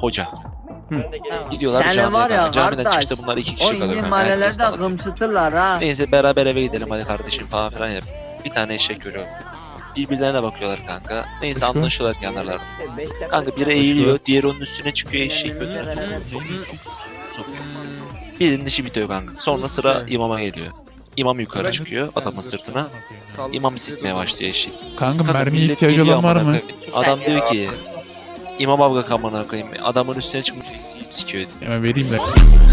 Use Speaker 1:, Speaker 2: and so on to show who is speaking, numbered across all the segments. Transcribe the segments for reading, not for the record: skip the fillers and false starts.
Speaker 1: hoca.
Speaker 2: Tamam.
Speaker 1: Gidiyorlar
Speaker 2: Seni
Speaker 1: camiye
Speaker 2: var ya
Speaker 1: kanka. Camiden
Speaker 2: kardeş,
Speaker 1: çıkışta bunlar 2
Speaker 2: o
Speaker 1: kişi kalıyor
Speaker 2: indi
Speaker 1: kanka.
Speaker 2: mahallelerde
Speaker 1: Herkes tanıdık.
Speaker 2: kımsıtırlar ha.
Speaker 1: Neyse beraber eve gidelim hadi kardeşim falan yap. Bir tane eşek görüyor. Birbirlerine bakıyorlar kanka. Neyse
Speaker 3: Utku.
Speaker 1: anlaşıyorlar kenarlarında. Kanka biri eğiliyor, diğeri onun üstüne çıkıyor, eşeği götüne sokuyor. Birinin işi bitiyor kanka. Sonra sıra imama geliyor. İmam yukarı çıkıyor adamın sırtına. İmam sikmeye başlıyor eşeği.
Speaker 3: Kanka
Speaker 1: Kanka
Speaker 3: mermiye
Speaker 1: millet
Speaker 3: ihtiyacı
Speaker 1: geliyor
Speaker 3: olan var
Speaker 1: amına
Speaker 3: mı?
Speaker 1: koyayım. Adam diyor ki İmam abla amına koyayım. Adamın üstüne çıkmış eşeği sikiyor diyor.
Speaker 3: Hemen vereyim de.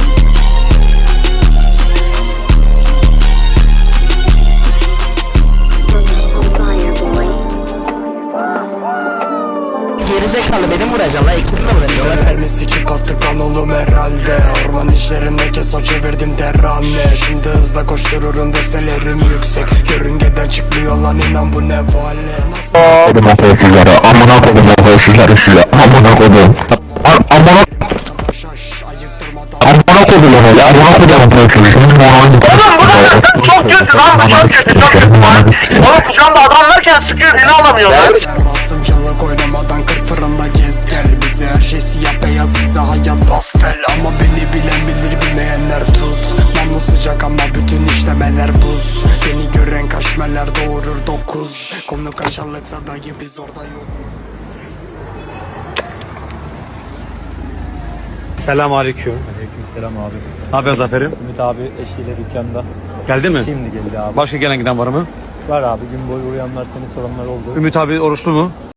Speaker 2: Gerizekalı beni vuracak la, ekibimle vuracak.
Speaker 4: Mermi sikip attık lan oğlum herhalde. Orman işlerine keso çevirdim terane. Şimdi hızla koştururum destelerim yüksek. Yörüngeden çıkmıyor lan inan bu ne vale.
Speaker 5: Kodum okuyucuları, amına kodum okuyucuları size, amına kodum. Amına kodum öyle, amına kodum okuyucuları. Oğlum bu çok kötü lan, bu çok kötü. Oğlum kucağımda adam varken sıkıyor, beni alamıyorlar.
Speaker 4: Rasım yıllık oynamadan 40 fırında gez gel. Bize her şey siyah beyaz, size hayat pastel. Ama beni bilen bilir, bilmeyenler tuz. Yalnız sıcak ama bütün işlemeler buz. Seni gören kaşmeler doğurur 9. Konu kaşarlıksa dayı biz orada yokuz.
Speaker 6: Selamünaleyküm.
Speaker 7: Aleykümselam abi.
Speaker 6: Ne yapıyorsun Zafer'im?
Speaker 7: Ümit abi eşiyle dükkanda.
Speaker 6: Geldi mi?
Speaker 7: Şimdi geldi abi.
Speaker 6: Başka gelen giden var mı?
Speaker 7: Var abi, gün boyu uyanlar seni soranlar oldu.
Speaker 6: Ümit abi oruçlu mu?